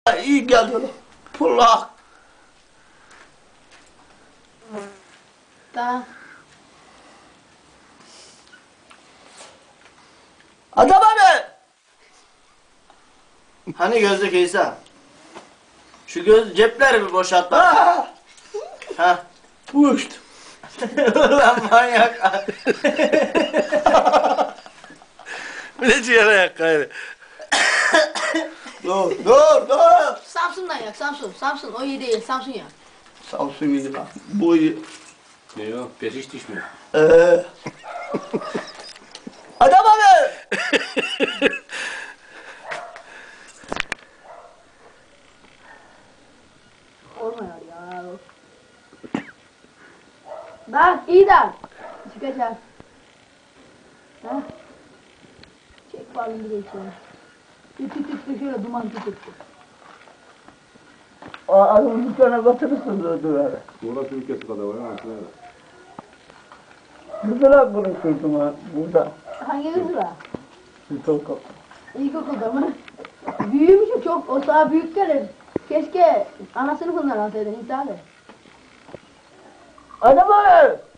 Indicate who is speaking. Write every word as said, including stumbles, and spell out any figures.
Speaker 1: İyi geldi. Pullak.
Speaker 2: Tamam.
Speaker 1: Adam abi. Hani gözlük İsa? Şu göz cepleri bir boşalt bak. Ha. Uçtu. Ulan manyak.
Speaker 3: Bir de ciğer ayak gayrı.
Speaker 1: Dur dur dur.
Speaker 2: Samsun'dan yak Samsun. Samsun o iyi değil. Samsun yak.
Speaker 1: Samsun iyi lan. Bu iyi.
Speaker 4: Ne yok, pes hiç düşmüyor.
Speaker 1: Ee. Adam abi.
Speaker 2: Olmuyor ya. Bak iyi de. Çıkacak. Ha? Çek balını bir de içeri. Tüt tüt tüt şöyle duman tüt tüt.
Speaker 1: Adamın dükkanına batırırsın dövdüğü.
Speaker 4: Burası ülkesi kadar var ha.
Speaker 1: Güzel konuşurdum ha burada.
Speaker 2: Hangi kız var?
Speaker 1: İlkokul.
Speaker 2: İlkokulda mı? Büyümüşüm çok. O daha büyük gelir. Keşke ana sınıfından alsaydın İsa abi.
Speaker 1: Adam abi.